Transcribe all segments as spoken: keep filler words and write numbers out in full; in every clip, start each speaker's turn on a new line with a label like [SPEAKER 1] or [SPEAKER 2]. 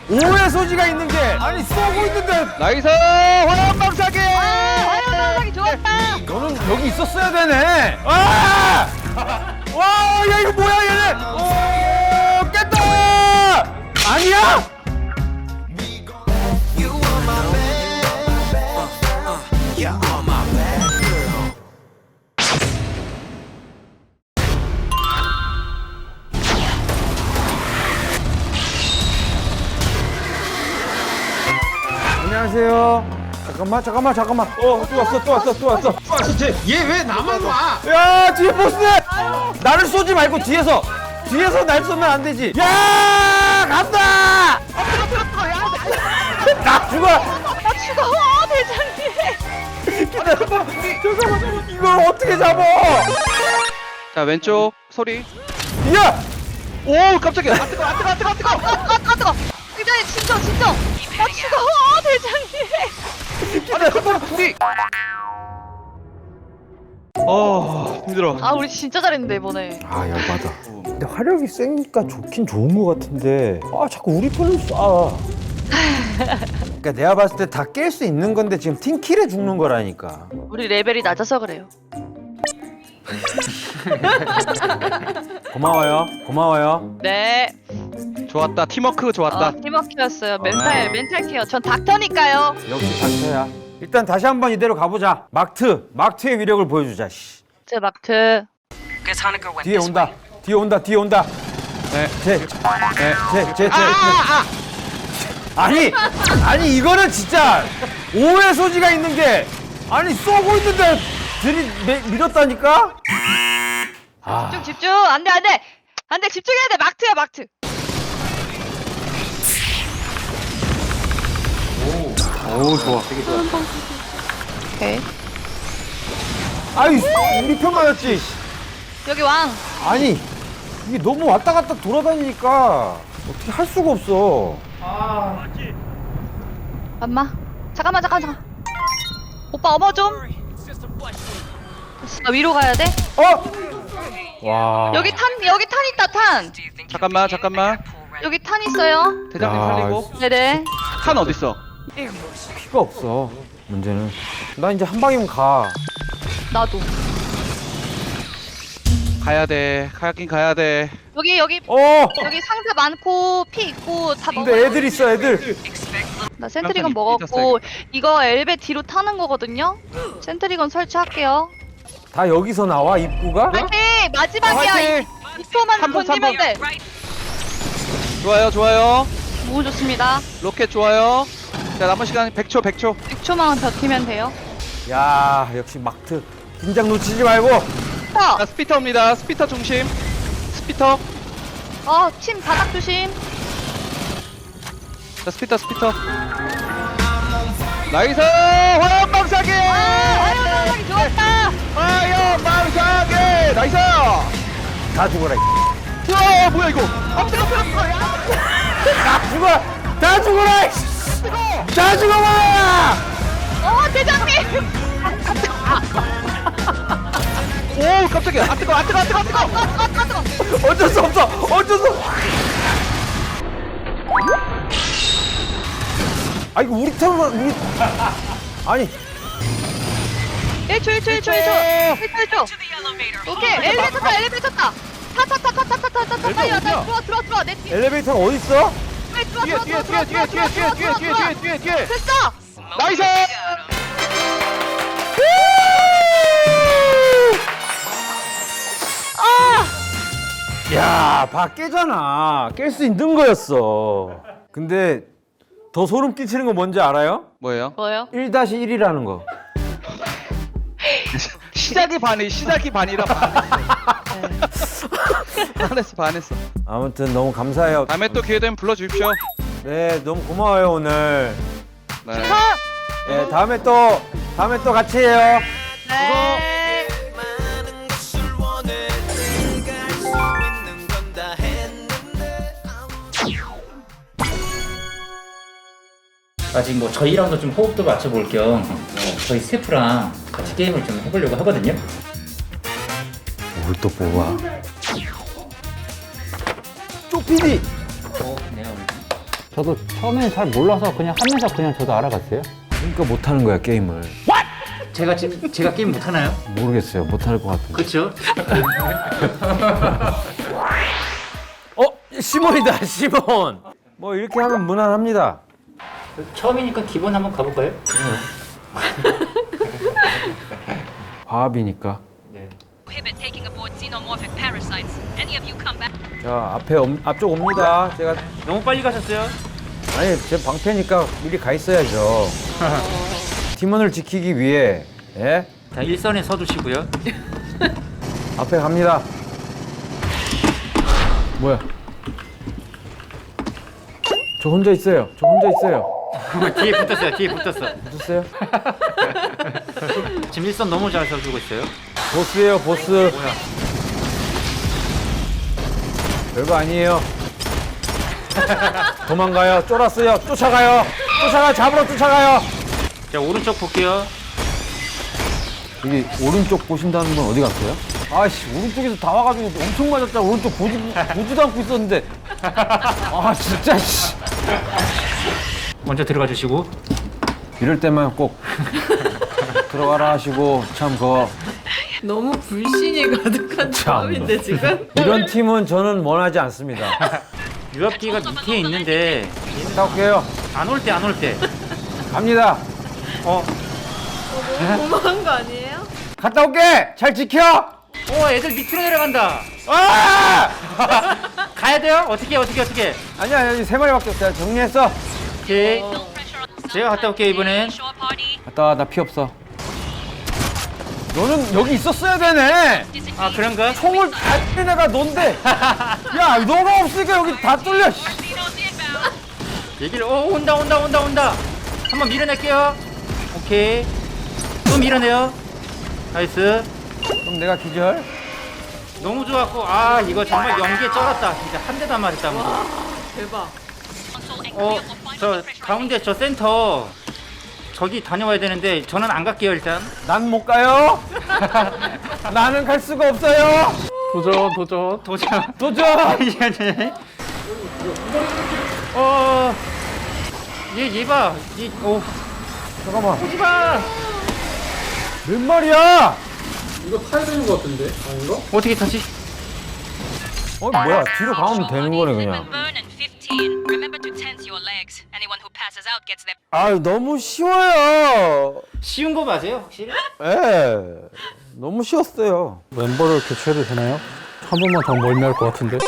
[SPEAKER 1] 오해 소지가 있는 게 아니 쏘고 있는데
[SPEAKER 2] 나이스 화염방사기.
[SPEAKER 3] 아, 화염방사기 좋았다.
[SPEAKER 1] 너는 여기 있었어야 되네. 아! 와, 야 이거 뭐야 얘네? 오, 깼다! 아니야? 안녕하세요. 잠깐만, 잠깐만, 잠깐만. 어, 또 왔어, 또 왔어, 또 왔어. 또 왔어, 쟤. 얘 왜 나만 와? 야, 뒤에 보스네! 나를 쏘지 말고 뒤에서! 뒤에서 날 쏘면 안 되지. 야, 간다! 나 죽어!
[SPEAKER 3] 나 죽어, 대장님.
[SPEAKER 1] 기다려봐. 잠깐만, 이걸 어떻게 잡아?
[SPEAKER 2] 자 왼쪽 소리.
[SPEAKER 1] 야!
[SPEAKER 2] 오 깜짝이야. 아 뜨거 아 뜨거 아 뜨거 아 뜨거.
[SPEAKER 3] 아, 아, 뜨거. 대장님, 진정, 진정. 나 죽어, 대장님.
[SPEAKER 2] 아니 잠깐만 우리. 어 힘들어.
[SPEAKER 3] 아, 우리 진짜 잘했는데, 이번에.
[SPEAKER 1] 아, 열받아. 근데 화력이 세니까 좋긴 좋은 것 같은데 아, 자꾸 우리 편을 쏴. 그러니까 내가 봤을 때 다 깰 수 있는 건데 지금 팀킬에 죽는 거라니까.
[SPEAKER 3] 우리 레벨이 낮아서 그래요.
[SPEAKER 1] 고마워요. 고마워요.
[SPEAKER 3] 네.
[SPEAKER 2] 좋았다 팀워크 좋았다.
[SPEAKER 3] 어, 팀워크였어요. 멘탈, 멘탈 케어. 전 닥터니까요.
[SPEAKER 1] 역시 닥터야. 일단 다시 한번 이대로 가보자. 막트, 막트의 위력을 보여주자. 씨.
[SPEAKER 3] 제 마크.
[SPEAKER 1] 뒤에 온다. 뒤에 온다. 뒤에 온다.
[SPEAKER 2] 네.
[SPEAKER 1] 제,
[SPEAKER 2] 네.
[SPEAKER 1] 제, 제, 제. 아니, 아니 이거는 진짜 오해 소지가 있는 게 아니 쏘고 있는데 들이 매- 밀었다니까. 아,
[SPEAKER 3] 집중, 집중. 안 돼, 안 돼. 안 돼, 집중해야 돼. 마크야, 마크.
[SPEAKER 2] 오 좋아.
[SPEAKER 3] 오케이.
[SPEAKER 1] 아이 우리 편 맞았지.
[SPEAKER 3] 여기 왕.
[SPEAKER 1] 아니 이게 너무 왔다 갔다 돌아다니니까 어떻게 할 수가 없어.
[SPEAKER 3] 엄마. 잠깐만, 잠깐, 잠깐. 오빠 어머 좀. 나 위로 가야 돼?
[SPEAKER 1] 어? 와.
[SPEAKER 3] 여기 탄, 여기 탄 있다, 탄.
[SPEAKER 2] 잠깐만 잠깐만.
[SPEAKER 3] 여기 탄 있어요.
[SPEAKER 2] 대장님
[SPEAKER 1] 야,
[SPEAKER 2] 살리고.
[SPEAKER 3] 네네.
[SPEAKER 2] 탄 어딨어?
[SPEAKER 1] 피가 없어. 문제는 나 이제 한 방이면 가.
[SPEAKER 3] 나도.
[SPEAKER 2] 가야 돼. 가긴 가야 돼.
[SPEAKER 3] 여기, 여기,
[SPEAKER 1] 어.
[SPEAKER 3] 여기 상자 많고, 피 있고, 다 먹어.
[SPEAKER 1] 근데 애들 있어 애들.
[SPEAKER 3] 나 센트리건
[SPEAKER 2] 깜짝이야,
[SPEAKER 3] 먹었고, 이거 엘베 뒤로 타는 거거든요? 센트리건 설치할게요.
[SPEAKER 1] 다 여기서 나와 입구가?
[SPEAKER 3] 화이팅! 마지막이야.
[SPEAKER 2] 화이팅!
[SPEAKER 3] 이 초만
[SPEAKER 2] 삼 분,
[SPEAKER 3] 던지면 돼.
[SPEAKER 2] 좋아요 좋아요.
[SPEAKER 3] 너무 좋습니다.
[SPEAKER 2] 로켓 좋아요. 자 남은 시간 백 초 백 초.
[SPEAKER 3] 육 초만 버티면 돼요.
[SPEAKER 1] 야 역시 막트. 긴장 놓치지 말고.
[SPEAKER 3] 터!
[SPEAKER 2] 자 스피터 옵니다. 스피터 중심. 스피터.
[SPEAKER 3] 어, 침 바닥 조심.
[SPEAKER 2] 자 스피터 스피터. 나이스 화염방사기.
[SPEAKER 3] 아, 화염방사기 좋았다.
[SPEAKER 2] 화염방사기. 나이스.
[SPEAKER 1] 다 죽어라. 이
[SPEAKER 2] 와 뭐야 이거. 아 뜨거 뜨거 뜨거.
[SPEAKER 1] 다 죽어. 다 죽어라. 이 다 죽어봐.
[SPEAKER 3] 어, 대장님.
[SPEAKER 2] 오 깜짝이야. 아 뜨거 아 뜨거 아 뜨거 아 뜨거.
[SPEAKER 3] 아, 아, 아, 뜨거.
[SPEAKER 1] 어쩔 수 없어. 어쩔 수 없어. 아 이거 우리 턴만 우리 아니
[SPEAKER 3] 일 초, 일 초, 일 초, 일 초. 일 초, 일 초. 오케이, 엘리베이터 타, 엘리베이터 타. 타, 타, 타, 타, 타, 타, 타, 타, 타. 빨리 와, 빨리 들어와, 들어와, 들어와. 내 뒤에.
[SPEAKER 1] 엘리베이터가 어디 있어?
[SPEAKER 3] 빨리 들어와,
[SPEAKER 2] 뒤에
[SPEAKER 3] 들어와,
[SPEAKER 2] 뒤에
[SPEAKER 3] 들어와,
[SPEAKER 2] 뒤에 뒤에
[SPEAKER 3] 들어와,
[SPEAKER 2] 뒤에
[SPEAKER 3] 들어와,
[SPEAKER 2] 뒤에
[SPEAKER 3] 들어와,
[SPEAKER 2] 뒤에 뒤에
[SPEAKER 3] 들어와.
[SPEAKER 2] 뒤에 뒤에.
[SPEAKER 3] 됐어.
[SPEAKER 2] 나이스.
[SPEAKER 3] 아,
[SPEAKER 1] 야, 봐 깨잖아. 깰 수 있는 거였어. 근데 더 소름 끼치는 거 뭔지 알아요?
[SPEAKER 2] 뭐예요?
[SPEAKER 3] 뭐요?
[SPEAKER 1] 일 다시 일이라는 거.
[SPEAKER 2] 시작이 반이 시작이 반이라 반했어. 반했어 반했어.
[SPEAKER 1] 아무튼 너무 감사해요.
[SPEAKER 2] 다음에 또 기회 되면 불러주십시오.
[SPEAKER 1] 네, 너무 고마워요 오늘.
[SPEAKER 2] 네.
[SPEAKER 1] 네, 다음에 또 다음에 또 같이 해요.
[SPEAKER 3] 네.
[SPEAKER 4] 아직 뭐 저희랑도 좀 호흡도 맞춰볼 겸 어, 저희 스태프랑 같이 게임을 좀 해보려고 하거든요.
[SPEAKER 1] 뭘 또 뽑아? 쪼피디.
[SPEAKER 4] 어, 네,
[SPEAKER 5] 저도 처음엔 잘 몰라서 그냥 하면서 그냥 저도 알아갔어요.
[SPEAKER 1] 그러니까 못하는 거야 게임을.
[SPEAKER 4] 제가 제, 제가 게임 못 하나요?
[SPEAKER 1] 모르겠어요. 못할 것 같은데.
[SPEAKER 4] 그렇죠.
[SPEAKER 1] 어? 시몬이다 시몬. 뭐 이렇게 하면 무난합니다.
[SPEAKER 4] 처음이니까 기본 한번 가볼까요?
[SPEAKER 1] 과합이니까.
[SPEAKER 4] 네.
[SPEAKER 6] prohibit taking aboard xenomorphic parasites. Any of you come back?
[SPEAKER 1] 자 앞에 옴- 앞쪽 옵니다. 제가
[SPEAKER 4] 너무 빨리 가셨어요.
[SPEAKER 1] 아니 제 방패니까 미리 가 있어야죠. 팀원을 지키기 위해 예?
[SPEAKER 4] 자, 일선에 서두시고요.
[SPEAKER 1] 앞에 갑니다. 뭐야? 저 혼자 있어요. 저 혼자 있어요.
[SPEAKER 4] 뒤에 붙었어요. 뒤에 붙었어.
[SPEAKER 1] 붙었어요?
[SPEAKER 4] 지금 일선 너무 잘 서주고 있어요.
[SPEAKER 1] 보스예요, 보스.
[SPEAKER 4] 뭐야?
[SPEAKER 1] 별거 아니에요. 도망가요. 쫄았어요. 쫓아가요. 쫓아가 잡으러 쫓아가요.
[SPEAKER 4] 자, 오른쪽 볼게요.
[SPEAKER 1] 여기 오른쪽 보신다는 분 어디 갔어요? 아씨 오른쪽에서 다 와가지고 엄청 맞았잖아. 오른쪽 보지, 보지도 않고 있었는데. 아 진짜 씨.
[SPEAKER 4] 먼저 들어가 주시고.
[SPEAKER 1] 이럴 때만 꼭 들어가라 하시고 참 그거
[SPEAKER 3] 너무 불신이 가득한
[SPEAKER 1] 조합인데,
[SPEAKER 3] 지금?
[SPEAKER 1] 이런 팀은 저는 원하지 않습니다.
[SPEAKER 4] 유압기가 밑에 있는데
[SPEAKER 1] 갔다 올게요.
[SPEAKER 4] 안 올 때 안 올 때.
[SPEAKER 1] 갑니다.
[SPEAKER 4] 어,
[SPEAKER 3] 너무한 거 아니에요?
[SPEAKER 1] 갔다 올게. 잘 지켜.
[SPEAKER 4] 어, 애들 밑으로 내려간다.
[SPEAKER 1] 아!
[SPEAKER 4] 가야 돼요? 어떻게 어떻게 어떻게?
[SPEAKER 1] 아니야 여기 세 마리밖에 없다. 정리했어.
[SPEAKER 4] 오케이.
[SPEAKER 6] No pressure on
[SPEAKER 4] 제가 갔다 올게요 이번엔.
[SPEAKER 6] shore party.
[SPEAKER 1] 갔다 와. 나 피 없어. 너는 여기 있었어야 되네.
[SPEAKER 4] 아 그런가?
[SPEAKER 1] 총을 다 쏘는 애가 넌데. 야 너가 없으니까 여기 다 뚫려. 씨.
[SPEAKER 6] Xenos inbound.
[SPEAKER 4] 얘기를 어 온다 온다 온다 온다. 한번 밀어낼게요. 오케이. 또 밀어내요. 나이스.
[SPEAKER 1] 그럼 내가 기절.
[SPEAKER 4] 너무 좋았고 아 이거 정말 연기에 쩔었다. 진짜 한 대도 안 맞았다.
[SPEAKER 3] 대박.
[SPEAKER 6] Console and
[SPEAKER 4] 어
[SPEAKER 6] clear for final
[SPEAKER 4] 저
[SPEAKER 6] pressure.
[SPEAKER 4] 가운데 저 센터 저기 다녀와야 되는데 저는 안 갈게요 일단.
[SPEAKER 1] 난 못 가요. 나는 갈 수가 없어요.
[SPEAKER 5] 도전, 도전.
[SPEAKER 4] 도전.
[SPEAKER 1] 도전.
[SPEAKER 4] 이제 어. 얘, 얘 봐. 얘, 오.
[SPEAKER 1] 잠깐만.
[SPEAKER 4] 오지 마.
[SPEAKER 1] 몇 마리야?
[SPEAKER 4] 어떻게 타지?
[SPEAKER 1] 어 뭐야? 뒤로 가면 되는 거네 그냥.
[SPEAKER 6] Burn and fifteen. Remember to tense your legs. Anyone who passes out gets their
[SPEAKER 1] 아 너무 쉬워요.
[SPEAKER 4] 쉬운 거 맞아요, 확실히?
[SPEAKER 1] 예. 너무 쉬웠어요.
[SPEAKER 5] 멤버를 교체해도 되나요? 한 번만 더 멀미할 것 같은데.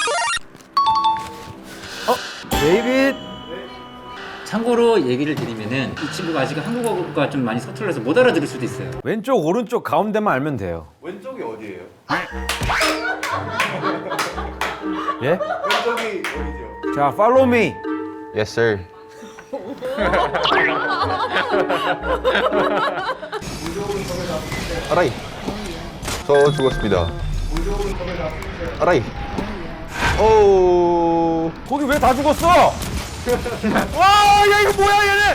[SPEAKER 1] 데이빗.
[SPEAKER 4] 참고로 얘기를 드리면은 이 친구가 아직 한국어가 좀 많이 서툴러서 못 알아들을 수도 있어요.
[SPEAKER 1] 왼쪽 오른쪽 가운데만 알면 돼요.
[SPEAKER 7] 왼쪽이 어디예요?
[SPEAKER 1] 예?
[SPEAKER 7] 왼쪽이 어디죠?
[SPEAKER 1] 자, follow me.
[SPEAKER 7] Yes, sir. 아라이. 저 죽었습니다. 아라이. 오.
[SPEAKER 1] 거기 왜 다 죽었어? 와, 야 이거 뭐야 얘네?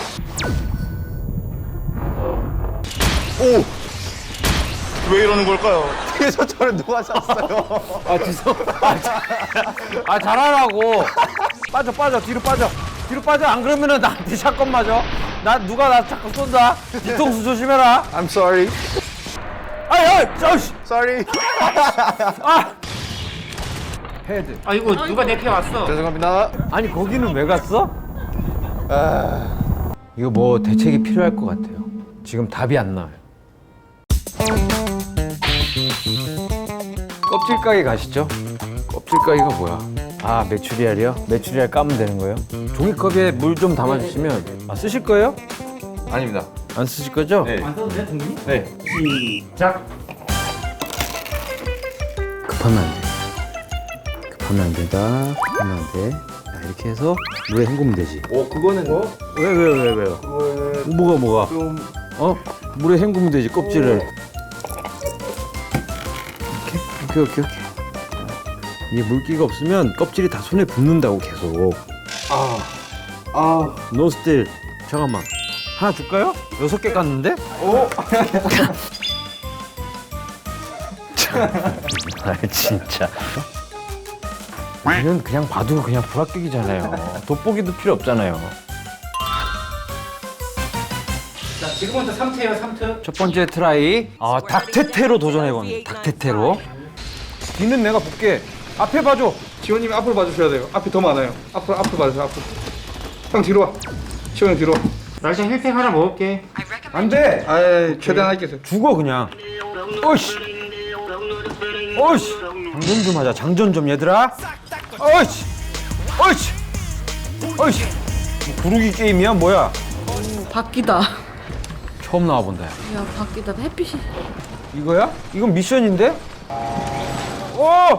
[SPEAKER 7] 오. 왜 이러는 걸까요? 뒤에서 저를 누가 쐈어요?
[SPEAKER 1] 아 죄송. 아, 자- 아 잘하라고. 빠져 빠져 뒤로 빠져. 뒤로 빠져. 안 그러면은 나한테 샷건 맞아. 나 누가 나 자꾸 쏜다. 뒤통수 조심해라.
[SPEAKER 7] I'm sorry.
[SPEAKER 1] 아야, 저씨.
[SPEAKER 7] Sorry.
[SPEAKER 1] 아. 헤드.
[SPEAKER 4] 아이고 누가 내 피 왔어.
[SPEAKER 7] 죄송합니다.
[SPEAKER 1] 아니 거기는 왜 갔어?
[SPEAKER 7] 아.
[SPEAKER 1] 이거 뭐 대책이 필요할 것 같아요. 지금 답이 안 나와요. 껍질 까기 가시죠. 껍질 까기가 뭐야? 아 메추리알이요? 메추리알 까면 되는 거예요? 종이컵에 물 좀 담아주시면. 아 쓰실 거예요?
[SPEAKER 7] 아닙니다.
[SPEAKER 1] 안 쓰실 거죠?
[SPEAKER 7] 네.
[SPEAKER 4] 안 써도 돼, 동민이?
[SPEAKER 1] 네.
[SPEAKER 4] 시작.
[SPEAKER 1] 급하면 안 돼. 급하면 안 된다. 급하면 안 돼. 자, 이렇게 해서 물에 헹구면 되지.
[SPEAKER 7] 오, 그거는 뭐?
[SPEAKER 1] 왜, 왜, 왜, 왜요?
[SPEAKER 7] 그거는
[SPEAKER 1] 뭐가, 뭐가?
[SPEAKER 7] 좀
[SPEAKER 1] 어? 물에 헹구면 되지, 껍질을. 이렇게? 오케이, 오케이, 오케이. 이게 물기가 없으면 껍질이 다 손에 붙는다고, 계속.
[SPEAKER 7] 아. 아.
[SPEAKER 1] 노스틸. 잠깐만. 하나 줄까요? 여섯 개 깠는데?
[SPEAKER 7] 오.
[SPEAKER 1] 아, 진짜. 얘는 그냥 봐도 그냥 불합격이잖아요. 돋보기도 필요 없잖아요.
[SPEAKER 4] 자, 지금부터 삼 트예요, 삼 트.
[SPEAKER 1] 첫 번째 트라이. 아, 닥테테로 도전해봅니다. 닥테테로. 뒤는 내가 볼게. 앞에 봐줘.
[SPEAKER 2] 지원님이 앞을 봐주셔야 돼요. 앞이 더 많아요. 앞을 앞을 봐주세요. 앞을. 형 뒤로 와. 지원 형 뒤로. 와.
[SPEAKER 4] 날짜 힐팩 하나 먹을게.
[SPEAKER 1] 안 돼.
[SPEAKER 2] 아이 최대한 할게요.
[SPEAKER 1] 죽어 그냥. 어이씨. 어이씨. 장전 좀 하자. 장전 좀 얘들아. 어이씨. 어이씨. 어이씨. 뭐 구르기 게임이야 뭐야?
[SPEAKER 8] 바뀌다.
[SPEAKER 1] 처음 나와본다. 야.
[SPEAKER 8] 야, 바뀌다. 햇빛이.
[SPEAKER 1] 이거야? 이건 미션인데? 오!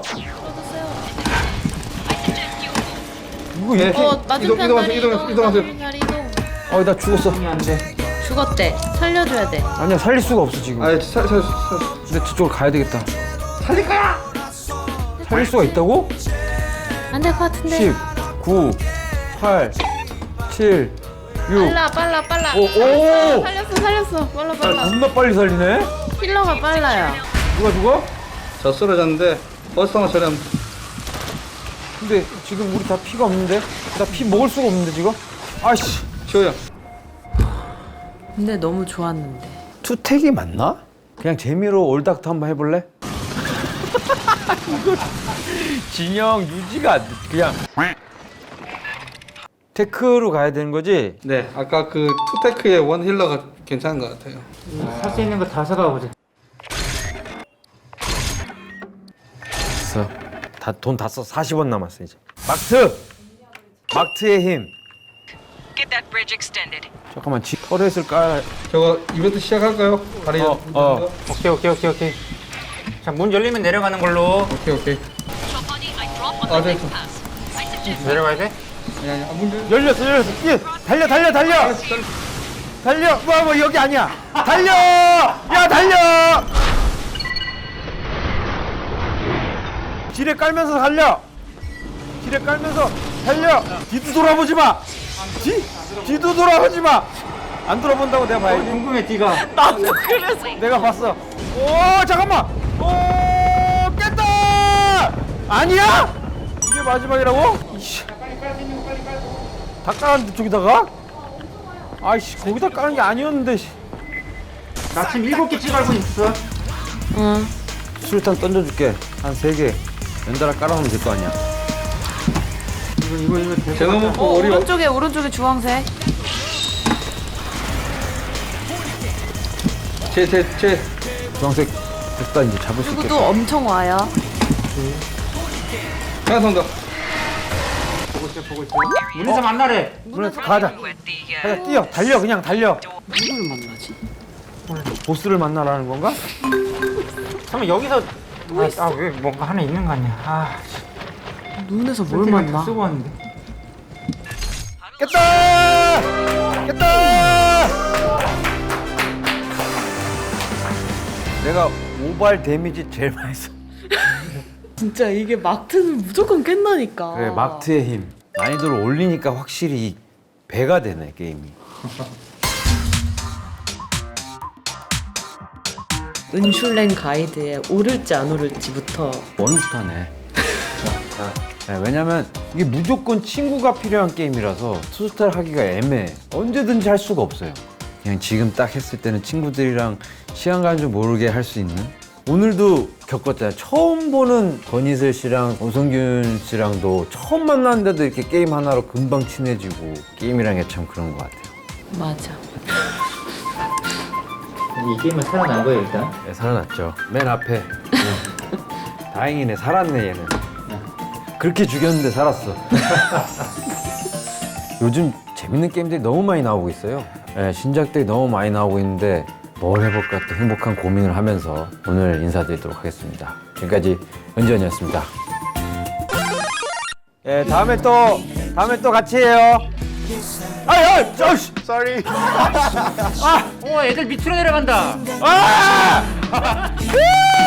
[SPEAKER 1] 이거
[SPEAKER 2] 예.
[SPEAKER 1] 이렇게?
[SPEAKER 8] 어, 맞은편
[SPEAKER 2] 이동, 이동하세요,
[SPEAKER 8] 다리
[SPEAKER 2] 이동하세요, 이동하세요.
[SPEAKER 8] 맞은편 다리 이동.
[SPEAKER 1] 어, 나 죽었어.
[SPEAKER 4] 안 돼.
[SPEAKER 8] 죽었대. 살려줘야 돼.
[SPEAKER 1] 아니야, 살릴 수가 없어 지금.
[SPEAKER 2] 아이 살 살.
[SPEAKER 1] 근데 저쪽으로 가야 되겠다. 살릴 거야! 살릴 수가 있다고?
[SPEAKER 8] 안 될 것 같은데.
[SPEAKER 1] 십, 구, 팔, 칠, 육.
[SPEAKER 8] 빨라, 빨라, 빨라.
[SPEAKER 1] 오, 오!
[SPEAKER 8] 살렸어, 살렸어. 빨라, 빨라.
[SPEAKER 1] 겁나 빨리 살리네?
[SPEAKER 8] 힐러가 빨라요.
[SPEAKER 1] 누가 죽어?
[SPEAKER 2] 저 쓰러졌는데 버스 하나 처리하면.
[SPEAKER 1] 근데 지금 우리 다 피가 없는데? 나 피 먹을 수가 없는데 지금? 아이씨.
[SPEAKER 2] 지호 형.
[SPEAKER 8] 근데 너무 좋았는데.
[SPEAKER 1] 투택이 맞나? 그냥 재미로 올닥터 한번 해볼래? 이거 진영 유지가 안 돼. 그냥 테크로 가야 되는 거지?
[SPEAKER 2] 네. 아까 그 투테크의 원 힐러가 괜찮은 것 같아요.
[SPEAKER 4] 살 수 있는 거 다 사가 보자.
[SPEAKER 1] 됐어. 다 돈 다 써. 사십 원 남았어 이제. 막트! 막트의 힘.
[SPEAKER 6] Get that bridge extended.
[SPEAKER 1] 잠깐만 지 터렛을 깔아.
[SPEAKER 2] 저거 이벤트 시작할까요? 다리.
[SPEAKER 1] 어, 어.
[SPEAKER 4] 오케이, 오케이, 오케이, 오케이. 자, 문 열리면 내려가는 걸로.
[SPEAKER 2] 오케이 오케이.
[SPEAKER 6] Chopani, I drop on
[SPEAKER 2] 아,
[SPEAKER 6] the
[SPEAKER 2] 됐어.
[SPEAKER 6] next pass. I suggest
[SPEAKER 4] 내려가야 돼?
[SPEAKER 2] 아니 아니 안 문제.
[SPEAKER 1] 열렸어 열렸어. 뛰어. 달려 달려 달려. 달려. 뭐, 뭐 여기 아니야. 달려. 야 달려. 지뢰 깔면서 달려. 지뢰 깔면서 달려. 뒤도 돌아보지 마. 뒤 뒤도 돌아보지 마. 안 돌아본다고 내가
[SPEAKER 4] 어,
[SPEAKER 1] 봐야지.
[SPEAKER 4] 궁금해, 뒤가.
[SPEAKER 8] 나도 그래서.
[SPEAKER 1] 내가 봤어. 오 잠깐만. 오 깼다. 아니야? 이게 마지막이라고? 이씨. 다 깔았는데 저기다가? 아이씨 거기다 까는 게 아니었는데. 씨.
[SPEAKER 4] 나 지금 일곱 개 찍어알고 있어.
[SPEAKER 8] 응.
[SPEAKER 1] 수류탄 던져줄게. 한 세 개. 연달아 깔아놓으면 될 거 아니야.
[SPEAKER 4] 이거, 이거, 이거. 될것
[SPEAKER 2] 제가
[SPEAKER 4] 같아.
[SPEAKER 2] 먹고
[SPEAKER 8] 어,
[SPEAKER 2] 우리
[SPEAKER 8] 오른쪽에, 오른쪽에 주황색.
[SPEAKER 2] 제제제
[SPEAKER 1] 주황색 됐다 이제 잡을 수
[SPEAKER 8] 그리고
[SPEAKER 1] 있겠다.
[SPEAKER 8] 또 엄청 와요.
[SPEAKER 2] 하나 선다.
[SPEAKER 4] 보고 있어, 보고 있어. 문에서 만나래.
[SPEAKER 1] 문에서 가자.
[SPEAKER 6] with the uh,
[SPEAKER 1] 가자 뛰어 달려 그냥 달려.
[SPEAKER 8] 누굴 만나지?
[SPEAKER 1] 보스를 만나라는 건가?
[SPEAKER 4] 잠깐만, 여기서. 아, 아, 왜 뭔가 하나 있는 거 아니야. 아,
[SPEAKER 8] 눈에서 뭘
[SPEAKER 4] 세팅을
[SPEAKER 8] 만나?
[SPEAKER 4] 다 쓰고 왔는데.
[SPEAKER 1] 깼다! 깼다! 내가 오발 데미지 제일 많이 써.
[SPEAKER 8] 진짜 이게 막트는 무조건 깬다니까.
[SPEAKER 1] 그래 막트의 힘. 난이도를 올리니까 확실히 배가 되네 게임이.
[SPEAKER 8] 은슐랭 가이드에 오를지 안 오를지부터.
[SPEAKER 1] 원스타네. 네, 왜냐면 이게 무조건 친구가 필요한 게임이라서 투스타를 하기가 애매해. 언제든지 할 수가 없어요. 그냥 지금 딱 했을 때는 친구들이랑 시간 가는 줄 모르게 할 수 있는. 오늘도 겪었잖아요. 처음 보는 권희슬 씨랑 오성균 씨랑도 처음 만났는데도 이렇게 게임 하나로 금방 친해지고 게임이란 게 참 그런 것 같아요.
[SPEAKER 8] 맞아.
[SPEAKER 4] 이 게임은 살아난 거야, 일단.
[SPEAKER 1] 네, 살아났죠. 맨 앞에. 네. 다행이네. 살았네 얘는. 그렇게 죽였는데 살았어. 요즘 재밌는 게임들이 너무 많이 나오고 있어요. 네, 신작들이 너무 많이 나오고 있는데 뭘 해볼까 또 행복한 고민을 하면서 오늘 인사드리도록 하겠습니다. 지금까지 은지원이었습니다. 예, 다음에 또 다음에 또 같이 해요. 아야, 저씨, sorry.
[SPEAKER 4] 어, 애들 밑으로 내려간다.
[SPEAKER 1] 아!